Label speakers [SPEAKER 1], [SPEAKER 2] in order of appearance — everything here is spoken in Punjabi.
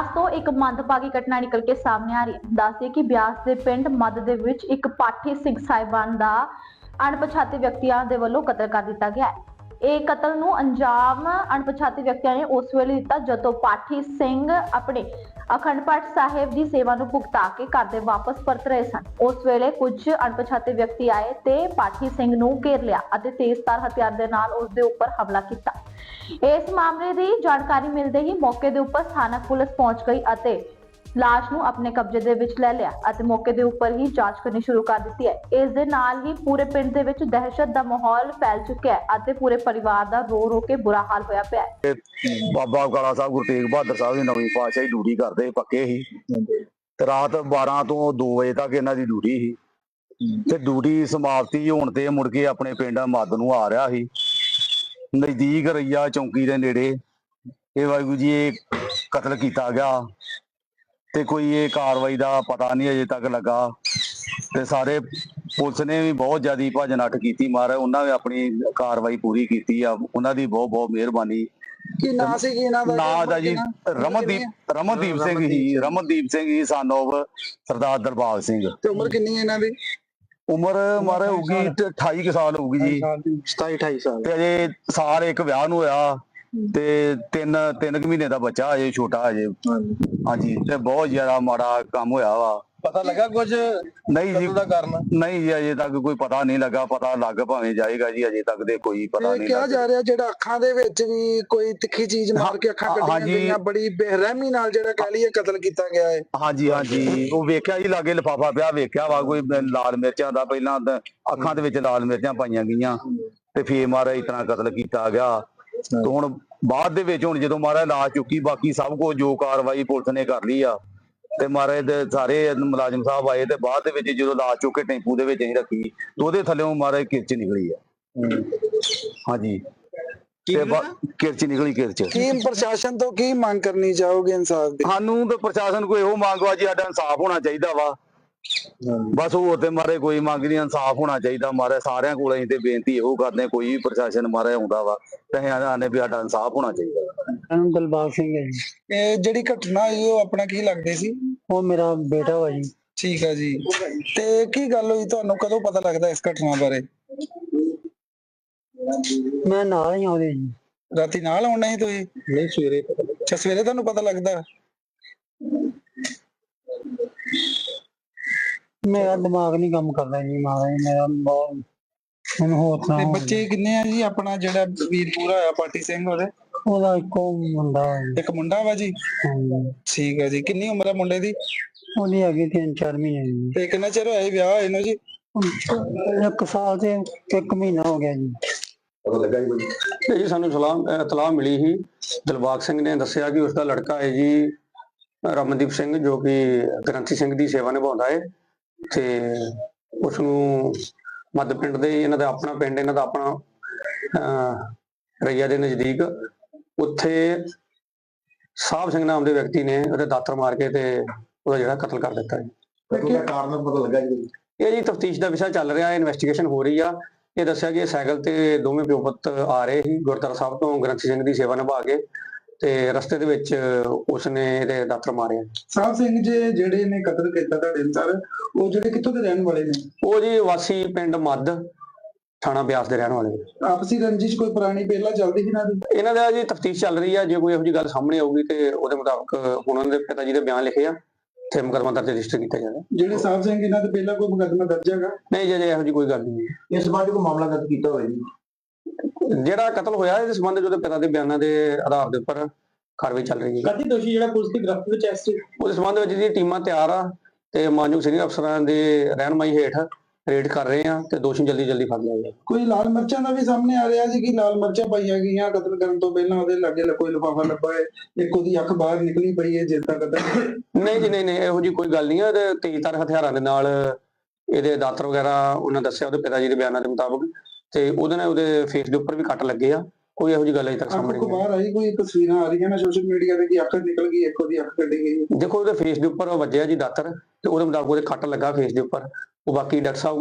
[SPEAKER 1] ਤੋਂ ਇੱਕ ਮੰਦਭਾਗੀ ਘਟਨਾ ਨਿਕਲ ਕੇ ਸਾਹਮਣੇ ਆ ਰਹੀ ਹੈ। ਦੱਸਦੇ ਕਿ ਬਿਆਸ ਦੇ ਪਿੰਡ ਮੱਧ ਦੇ ਵਿੱਚ ਇੱਕ ਪਾਠੀ ਸਿੰਘ ਸਾਹਿਬਾਨ ਦਾ ਅਣਪਛਾਤੇ ਵਿਅਕਤੀਆਂ ਦੇ ਵੱਲੋਂ ਕਤਲ ਕਰ ਦਿੱਤਾ ਗਿਆ ਹੈ। ਇਹ ਕਤਲ ਨੂੰ ਅੰਜਾਮ ਅਣਪਛਾਤੇ ਵਿਅਕਤੀਆਂ ਨੇ ਉਸ ਵੇਲੇ ਦਿੱਤਾ ਜਦੋਂ ਪਾਠੀ ਸਿੰਘ ਆਪਣੇ ਅਖੰਡ ਪਾਠ ਸਾਹਿਬ ਦੀ ਸੇਵਾ ਨੂੰ ਭੁਗਤਾ ਕੇ ਘਰ ਦੇ ਵਾਪਸ ਪਰਤ ਰਹੇ ਸਨ। ਉਸ ਵੇਲੇ ਕੁਝ ਅਣਪਛਾਤੇ ਵਿਅਕਤੀ ਆਏ ਤੇ ਪਾਠੀ ਸਿੰਘ ਨੂੰ ਘੇਰ ਲਿਆ ਅਤੇ ਤੇਜ਼ਧਾਰ ਹਥਿਆਰ ਦੇ ਨਾਲ ਉਸ ਦੇ ਉੱਪਰ ਹਮਲਾ ਕੀਤਾ। ਇਸ ਮਾਮਲੇ ਦੀ ਜਾਣਕਾਰੀ ਮਿਲਦੇ ਹੀ ਮੌਕੇ ਦੇ ਉੱਪਰ ਸਥਾਨਕ ਪੁਲਿਸ ਪਹੁੰਚ ਗਈ ਅਤੇ ਲਾਸ਼ ਨੂੰ ਆਪਣੇ ਕਬਜ਼ੇ ਦੇ ਵਿੱਚ ਲੈ ਲਿਆ ਅਤੇ ਮੌਕੇ ਦੇ ਉੱਪਰ ਹੀ ਜਾਂਚ ਕਰਨੀ ਸ਼ੁਰੂ ਕਰ ਦਿੱਤੀ ਹੈ। ਇਸ ਦੇ ਨਾਲ ਹੀ ਪੂਰੇ ਪਿੰਡ ਦੇ ਵਿੱਚ ਦਹਿਸ਼ਤ ਦਾ ਮਾਹੌਲ ਫੈਲ ਚੁੱਕਿਆ ਹੈ ਅਤੇ ਪੂਰੇ ਪਰਿਵਾਰ ਦਾ ਰੋ ਕੇ ਬੁਰਾ ਹਾਲ ਹੋਇਆ ਪਿਆ ਹੈ।
[SPEAKER 2] ਬਾਬਾ ਕਾਲਾ ਸਾਹਿਬ ਗੁਰੂ ਤੇਗ ਬਹਾਦਰ ਸਾਹਿਬ ਦੀ ਨਵੀਂ ਪਾਤਸ਼ਾਹੀ ਡਿਊਟੀ ਕਰਦੇ ਪੱਕੇ ਸੀ ਤੇ ਰਾਤ 12 ਤੋਂ 2 ਵਜੇ ਤੱਕ ਇਹਨਾਂ ਦੀ ਡਿਊਟੀ ਸੀ ਤੇ ਡਿਊਟੀ ਸਮਾਪਤੀ ਹੋਣ ਤੇ ਮੁੜ ਕੇ ਆਪਣੇ ਪਿੰਡ ਮੱਧ ਨੂੰ ਆ ਰਿਹਾ ਸੀ। ਨਜ਼ਦੀਕ ਰਈਆ ਚੌਂਕੀ ਦੇ ਨੇੜੇ ਇਹ ਵਾਹਿਗੁਰੂ ਜੀ ਇਹ ਕਤਲ ਕੀਤਾ ਗਿਆ ਤੇ ਕੋਈ ਇਹ ਕਾਰਵਾਈ ਦਾ ਪਤਾ ਨਹੀਂ ਅਜੇ ਤੱਕ ਲੱਗਾ ਤੇ ਸਾਰੇ ਪੁਲਿਸ ਨੇ ਵੀ ਬਹੁਤ ਜ਼ਿਆਦਾ ਭੱਜ ਨੱਠ ਕੀਤੀ। ਮਹਾਰਾਜ ਉਹਨਾਂ ਨੇ ਆਪਣੀ ਕਾਰਵਾਈ ਪੂਰੀ ਕੀਤੀ ਆ, ਉਹਨਾਂ ਦੀ ਬਹੁਤ ਬਹੁਤ ਮਿਹਰਬਾਨੀ।
[SPEAKER 3] ਕੀ ਨਾਂ ਸੀ ਕੀ ਇਹਨਾਂ ਦਾ?
[SPEAKER 2] ਨਾਂ ਦਾ ਜੀ ਰਮਨਦੀਪ ਸਿੰਘ ਹੀ, ਰਮਨਦੀਪ ਸਿੰਘ ਹੀ son of ਸਰਦਾਰ ਦਰਬਾਰ ਸਿੰਘ।
[SPEAKER 3] ਤੇ ਉਮਰ ਕਿੰਨੀ ਹੈ ਇਹਨਾਂ ਦੀ?
[SPEAKER 2] ਉਮਰ ਮਹਾਰਾਜ ਹੋਊਗੀ 28 ਕੁ ਸਾਲ ਹੋਊਗੀ ਜੀ,
[SPEAKER 3] 27-28 ਸਾਲ।
[SPEAKER 2] ਤੇ ਅਜੇ ਸਾਲ ਇੱਕ ਵਿਆਹ ਨੂੰ ਹੋਇਆ ਤੇ 3 ਮਹੀਨੇ ਦਾ ਬੱਚਾ ਅਜੇ ਛੋਟਾ ਅਜੇ। ਹਾਂਜੀ, ਤੇ ਬਹੁਤ ਜ਼ਿਆਦਾ ਮਾੜਾ ਕੰਮ ਹੋਇਆ ਵਾ।
[SPEAKER 3] ਪਤਾ ਲੱਗਾ ਕੁਝ?
[SPEAKER 2] ਨਹੀਂ ਜੀ, ਨਹੀਂ ਜੀ ਅਜੇ ਤੱਕ ਕੋਈ ਪਤਾ ਨਹੀਂ ਲੱਗਾ। ਪਤਾ ਲੱਗ ਭਾਵੇਂ ਜਾਏਗਾ ਜੀ, ਅਜੇ ਤੱਕ ਦੇ ਕੋਈ ਪਤਾ ਨਹੀਂ
[SPEAKER 3] ਕਿਹਾ ਜਾ ਰਿਹਾ ਜਿਹੜਾ ਅੱਖਾਂ ਦੇ ਵਿੱਚ ਵੀ ਕੋਈ ਤਿੱਖੀ ਚੀਜ਼ ਮਾਰ ਕੇ ਅੱਖਾਂ ਕੱਢੀਆਂ ਗਈਆਂ, ਬੜੀ ਬੇਰਹਿਮੀ ਨਾਲ ਜਿਹੜਾ ਕਹਿ ਲਈਏ ਕਤਲ ਕੀਤਾ ਗਿਆ ਹੈ।
[SPEAKER 2] ਹਾਂਜੀ ਹਾਂਜੀ, ਉਹ ਵੇਖਿਆ ਜੀ ਲਾਗੇ ਲਿਫਾਫਾ ਪਿਆ, ਵੇਖਿਆ ਵਾ ਕੋਈ ਲਾਲ ਮਿਰਚਾਂ ਦਾ, ਪਹਿਲਾਂ ਅੱਖਾਂ ਦੇ ਵਿੱਚ ਲਾਲ ਮਿਰਚਾਂ ਪਾਈਆਂ ਗਈਆਂ ਤੇ ਫੇਰ ਮਾਰਾ ਇਤਨਾ ਕਤਲ ਕੀਤਾ ਗਿਆ। ਤੇ ਹੁਣ ਬਾਅਦ ਦੇ ਵਿੱਚ ਹੁਣ ਜਦੋਂ ਮਹਾਰਾਜ ਲਾਸ਼ ਚੁੱਕੀ, ਬਾਕੀ ਸਭ ਕੁਝ ਜੋ ਕਾਰਵਾਈ ਪੁਲਿਸ ਨੇ ਕਰ ਲਈ ਆ ਤੇ ਮਹਾਰਾਜ ਦੇ ਸਾਰੇ ਮੁਲਾਜ਼ਮ ਸਾਹਿਬ ਆਏ ਤੇ ਬਾਅਦ ਦੇ ਵਿੱਚ ਜਦੋਂ ਲਾਸ਼ ਚੁੱਕ ਕੇ ਟੈਂਪੂ ਦੇ ਵਿੱਚ ਅਸੀਂ ਰੱਖੀ ਤੇ ਉਹਦੇ ਥੱਲੇੋਂ ਮਹਾਰਾਜ ਕਿਰਚ ਨਿਕਲੀ ਆ। ਹਾਂਜੀ, ਕਿਰਚ ਨਿਕਲੀ ਕਿਰਚ।
[SPEAKER 3] ਕੀ ਪ੍ਰਸ਼ਾਸਨ ਤੋਂ ਕੀ ਮੰਗ ਕਰਨੀ ਚਾਹੋਗੇ ਇਨਸਾਫ ਦੀ?
[SPEAKER 2] ਸਾਨੂੰ ਤਾਂ ਪ੍ਰਸ਼ਾਸਨ ਕੋਈ ਇਹੋ ਮੰਗ ਵਾ ਜੀ, ਸਾਡਾ ਇਨਸਾਫ ਹੋਣਾ ਚਾਹੀਦਾ ਵਾ। ਬਸ ਹੋਰ ਤੇ ਮਾਰੇ ਕੋਈ ਮੰਗ ਨਹੀਂ, ਇਨਸਾਫ ਹੋਣਾ ਚਾਹੀਦਾ। ਮਾਰੇ ਸਾਰਿਆਂ ਕੋਲ ਅਸੀਂ ਤੇ ਬੇਨਤੀ ਇਹੋ ਕਰਦੇ, ਕੋਈ ਵੀ ਪ੍ਰਸ਼ਾਸਨ ਮਾਰੇ ਆਉਂਦਾ ਵਾ ਤੇ ਅਸੀਂ ਆਨੇ ਵੀ ਸਾਡਾ ਇਨਸਾਫ ਹੋਣਾ ਚਾਹੀਦਾ।
[SPEAKER 4] ਦਿਲਬਾਗ ਸਿੰਘ ਹੈ ਜੀ।
[SPEAKER 3] ਇਹ ਜਿਹੜੀ ਘਟਨਾ ਹੋਈ ਉਹ ਆਪਣਾ ਕੀ ਲੱਗਦੇ ਸੀ?
[SPEAKER 4] ਉਹ ਮੇਰਾ ਬੇਟਾ ਵਾ ਜੀ।
[SPEAKER 3] ਠੀਕ ਆ ਜੀ, ਤੇ ਕੀ ਗੱਲ ਹੋਈ, ਤੁਹਾਨੂੰ ਕਦੋਂ ਪਤਾ ਲੱਗਦਾ ਇਸ ਘਟਨਾ ਬਾਰੇ?
[SPEAKER 4] ਮੈਂ ਨਾਲ ਹੀ ਆਉਂਦੇ ਜੀ।
[SPEAKER 3] ਰਾਤੀ ਨਾਲ ਆਉਣਾ ਸੀ ਤੁਸੀਂ?
[SPEAKER 4] ਨਹੀਂ, ਸਵੇਰੇ।
[SPEAKER 3] ਅੱਛਾ, ਸਵੇਰੇ ਤੁਹਾਨੂੰ ਪਤਾ ਲੱਗਦਾ?
[SPEAKER 4] ਮੇਰਾ ਦਿਮਾਗ ਨਹੀਂ ਕੰਮ ਕਰਦਾ ਜੀ ਮਹਾਰਾਜ, ਮੇਰਾ ਬਹੁਤ ਮੈਨੂੰ ਹੋਰ
[SPEAKER 3] ਤੇ ਬੱਚੇ ਕਿੰਨੇ ਆ ਜੀ? ਆਪਣਾ ਜਿਹੜਾ ਵੀਰ ਪੂਰਾ ਹੋਇਆ ਪਾਠੀ ਸਿੰਘ
[SPEAKER 4] ਉਹਦਾ ਇੱਕੋ ਮੁੰਡਾ ਵਾ ਜੀ।
[SPEAKER 3] ਇੱਕ ਮੁੰਡਾ ਵਾ ਜੀ?
[SPEAKER 4] ਹਾਂਜੀ।
[SPEAKER 3] ਠੀਕ ਆ ਜੀ, ਕਿੰਨੀ ਉਮਰ ਆ ਮੁੰਡੇ ਦੀ?
[SPEAKER 4] ਉਹਦੀ ਹੈਗੀ 3-4 ਮਹੀਨੇ ਜੀ।
[SPEAKER 3] ਤੇ ਕਿੰਨਾ ਚਿਰ ਹੋਇਆ ਵਿਆਹ ਹੋਏ ਨੂੰ ਜੀ?
[SPEAKER 4] 1 ਸਾਲ ਤੇ 1 ਮਹੀਨਾ ਹੋ ਗਿਆ ਜੀ।
[SPEAKER 2] ਪਤਾ ਲੱਗਾ ਜੀ
[SPEAKER 5] ਜੀ ਸਾਨੂੰ ਇਤਲਾਹ ਮਿਲੀ ਸੀ, ਦਿਲਬਾਗ ਸਿੰਘ ਨੇ ਦੱਸਿਆ ਕਿ ਉਸਦਾ ਲੜਕਾ ਹੈ ਜੀ ਰਮਨਦੀਪ ਸਿੰਘ, ਜੋ ਕਿ ਗ੍ਰੰਥੀ ਸਿੰਘ ਦੀ ਸੇਵਾ ਨਿਭਾਉਂਦਾ ਹੈ ਤੇ ਉਸ ਨੂੰ ਮੱਧ ਪਿੰਡ ਦੇ, ਇਹਨਾਂ ਦਾ ਆਪਣਾ ਪਿੰਡ, ਇਹਨਾਂ ਦਾ ਆਪਣਾ ਰਈਆ ਦੇ ਨਜ਼ਦੀਕ, ਉੱਥੇ ਸਾਹਿਬ ਸਿੰਘ ਨਾਮ ਦੇ ਵਿਅਕਤੀ ਨੇ ਉਹਦੇ ਦਾਤਰ ਮਾਰ ਕੇ ਤੇ ਉਹਦਾ ਜਿਹੜਾ ਕਤਲ ਕਰ ਦਿੱਤਾ ਜੀ।
[SPEAKER 2] ਕਾਰਨ ਪਤਾ ਲੱਗਾ ਜੀ?
[SPEAKER 5] ਇਹ ਜੀ ਤਫਤੀਸ਼ ਦਾ ਵਿਸ਼ਾ ਚੱਲ ਰਿਹਾ ਹੈ, ਇਨਵੈਸਟੀਗੇਸ਼ਨ ਹੋ ਰਹੀ ਆ। ਇਹ ਦੱਸਿਆ ਕਿ ਸਾਈਕਲ ਤੇ ਦੋਵੇਂ ਪਿਓ ਪੁੱਤ ਆ ਰਹੇ ਸੀ ਗੁਰਦੁਆਰਾ ਸਾਹਿਬ ਤੋਂ ਗ੍ਰੰਥੀ ਸਿੰਘ ਦੀ ਸੇਵਾ ਨਿਭਾ ਕੇ, ਤੇ ਰਸਤੇ ਦੇ ਵਿੱਚ ਉਸਨੇ ਇਹਦੇ ਦਾਤਰ ਮਾਰੇ।
[SPEAKER 3] ਸਾਹਿਬ ਸਿੰਘ ਜੀ ਜਿਹੜੇ ਨੇ ਕਤਲ ਕੀਤਾ ਤੁਹਾਡੇ ਅਨੁਸਾਰ, ਉਹ ਜਿਹੜੇ ਕਿੱਥੋਂ ਦੇ ਰਹਿਣ ਵਾਲੇ ਨੇ?
[SPEAKER 5] ਉਹ ਜੀ ਵਾਸੀ ਪਿੰਡ ਮੱਧ, ਥਾਣਾ ਬਿਆਸ ਦੇ ਰਹਿਣ ਵਾਲੇ।
[SPEAKER 3] ਆਪਸੀ ਰੰਜਿਸ਼ ਕੋਈ ਪੁਰਾਣੀ ਪਹਿਲਾਂ ਚੱਲਦੀ ਸੀ
[SPEAKER 5] ਇਹਨਾਂ ਦਾ ਜੀ ਤਫਤੀਸ਼ ਚੱਲ ਰਹੀ ਆ। ਜੇ ਕੋਈ ਇਹੋ ਜਿਹੀ ਗੱਲ ਸਾਹਮਣੇ ਆਊਗੀ ਤੇ ਉਹਦੇ ਮੁਤਾਬਕ ਹੁਣ ਉਹਨਾਂ ਦੇ ਪਿਤਾ ਜੀ ਦੇ ਬਿਆਨ ਲਿਖੇ ਆ ਤੇ ਮੁਕੱਦਮਾ ਦਰਜ ਰਜਿਸਟਰ ਕੀਤਾ ਜਾਏਗਾ।
[SPEAKER 3] ਜਿਹੜੇ ਸਾਹਿਬ ਸਿੰਘ ਇਹਨਾਂ ਦੇ ਪਹਿਲਾਂ ਕੋਈ ਮੁਕੱਦਮਾ ਦਰਜ ਹੈਗਾ?
[SPEAKER 5] ਨਹੀਂ ਜੀ, ਇਹੋ ਜਿਹੀ ਕੋਈ ਗੱਲ ਨਹੀਂ।
[SPEAKER 2] ਇਸ ਸੰਬੰਧ ਕੋਈ ਮਾਮਲਾ ਦਰਜ ਕੀਤਾ ਹੋਇਆ ਜੀ?
[SPEAKER 5] ਜਿਹੜਾ ਕਤਲ ਹੋਇਆ ਇਸ ਸੰਬੰਧ ਉਹਦੇ ਪਿਤਾ ਦੇ ਬਿਆਨਾਂ ਦੇ ਆਧਾਰ ਦੇ ਉੱਪਰ ਕਾਰਵਾਈ ਚੱਲ ਰਹੀ ਹੈ।
[SPEAKER 3] ਕਦੀ ਦੋਸ਼ੀ ਜਿਹੜਾ ਪੁਲਿਸ ਦੀ ਗ੍ਰਿਫਤ ਵਿੱਚ ਐਸ
[SPEAKER 5] ਉਸ ਸੰਬੰਧ ਵਿੱਚ ਜੀ ਟੀਮਾਂ ਤਿਆਰ ਆ ਤੇ ਮਾਨਯੋਗ ਸੀਨੀਅਰ ਅਫਸਰਾਂ ਦੇ ਰਹਿਨਮਾਈ ਹੇਠ ਰੇਡ ਕਰ ਰਹੇ ਆ ਤੇ ਦੋਸ਼ੀ ਜਲਦੀ ਫੜ ਲਿਆ ਜਾਏਗਾ।
[SPEAKER 3] ਕੋਈ ਲਾਲ ਮਿਰਚਾਂ ਦਾ ਵੀ ਸਾਹਮਣੇ ਆ ਰਿਹਾ ਸੀ ਕਿ ਲਾਲ ਮਿਰਚਾਂ ਪਾਈਆਂ ਗਈਆਂ ਕਤਲ ਕਰਨ ਤੋਂ ਪਹਿਲਾਂ, ਉਹਦੇ ਲਾਗੇ ਕੋਈ ਲਿਫਾਫਾ ਲੱਭਾ ਹੈ, ਇੱਕ ਉਹਦੀ ਅੱਖ ਬਾਹਰ ਨਿਕਲੀ ਪਈ ਹੈ ਜਿਸ ਦਾ ਕਤਲ?
[SPEAKER 5] ਨਹੀਂ ਜੀ, ਨਹੀਂ, ਇਹੋ ਜਿਹੀ ਕੋਈ ਗੱਲ ਨਹੀਂ ਹੈ। ਤੇ ਤੇਜ਼ਧਾਰ ਹਥਿਆਰਾਂ ਦੇ ਨਾਲ ਇਹਦੇ ਦਾਤਰ ਵਗੈਰਾ ਉਹਨਾਂ ਦੱਸਿਆ ਉਹਦੇ ਪਿਤਾ ਜੀ ਦੇ ਬਿਆਨਾਂ ਦੇ ਮੁਤਾਬਕ, ਤੇ ਉਹਦੇ ਨਾਲ ਉਹਦੇ ਫੇਸ ਦੇ ਉੱਪਰ ਵੀ ਕੱਟ ਲੱਗੇ ਆ। ਕੋਈ ਇਹੋ ਜਿਹੀ ਗੱਲ ਅਜੇ ਤੱਕ ਸਾਹਮਣੇ ਨਹੀਂ
[SPEAKER 3] ਬਾਹਰ ਆਈ? ਕੋਈ ਤਸਵੀਰਾਂ ਆ ਰਹੀਆਂ ਨੇ ਸੋਸ਼ਲ ਮੀਡੀਆ ਤੇ ਕਿ ਅੱਖ ਨਿਕਲ ਗਈ, ਇੱਕ ਉਹਦੀ ਅੱਖ ਕੱਢੀ ਗਈ?
[SPEAKER 5] ਦੇਖੋ ਉਹਦੇ ਫੇਸ ਦੇ ਉੱਪਰ ਵੱਜਿਆ ਜੀ ਦਾਤਰ ਤੇ ਉਹਦੇ ਮੁਤਾਬਕ ਉਹਦੇ ਕੱਟ ਲੱਗਾ ਫੇਸ ਦੇ ਉੱਪਰ। ਉਹ ਬਾਕੀ ਡਾਕਟਰ ਸਾਹਿਬ